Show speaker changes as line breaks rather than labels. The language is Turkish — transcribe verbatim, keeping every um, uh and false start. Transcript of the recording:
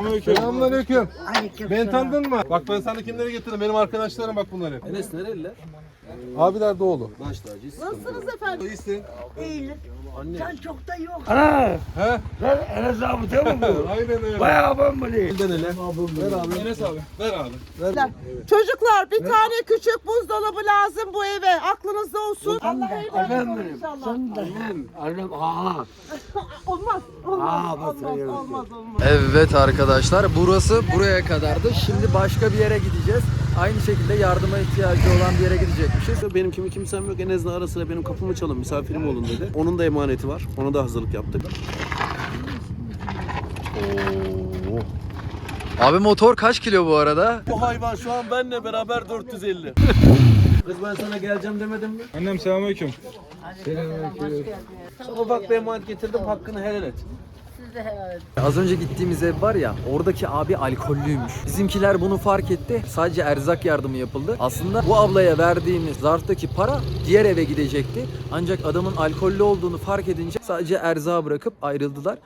Selamünaleyküm.
Selamünaleyküm.
Aleyküm
Beni
selam.
tanıdın mı? Bak ben sana kimleri getirdim. Benim arkadaşlarım bak bunlar hep.
Enes nereliler?
Abiler Doğulu.
Baş tacı.
Nasılsınız efendim?
İyisin.
İyilik.
Anne.
Sen çok da yok.
Ana!
He?
Sen Enes abi değil mi bu?
Aynen öyle.
Bayağı ben bunu.
Elden ele.
Ver abi. Enes abi. Ver abi.
Çocuklar bir tane küçük buzdolabı lazım bu eve. Aklınızda olsun. Allah hayırlı
Annem
olsun
benim.
inşallah.
Annem. Annem. Aa.
Olmaz. Olmaz.
Aa, bak
olmaz,
sen
olmaz, olmaz.
Evet arkadaşlar, burası buraya kadardı. Şimdi başka bir yere gideceğiz. Aynı şekilde yardıma ihtiyacı olan bir yere gidecekmişiz.
Benim kimi kimsem yok. En azından ara sıra benim kapımı çalın, misafirim olun dedi. Onun da emaneti var. Ona da hazırlık yaptık.
Abi motor kaç kilo bu arada?
Bu hayvan şu an benimle beraber dört yüz elli. Kız ben sana geleceğim demedim mi?
Annem selamünaleyküm.
Sana ufak bir emanet getirdim, hakkını helal et.
Az önce gittiğimiz ev var ya, oradaki abi alkollüymüş. Bizimkiler bunu fark etti. Sadece erzak yardımı yapıldı. Aslında bu ablaya verdiğimiz zarftaki para diğer eve gidecekti. Ancak adamın alkollü olduğunu fark edince sadece erzağı bırakıp ayrıldılar.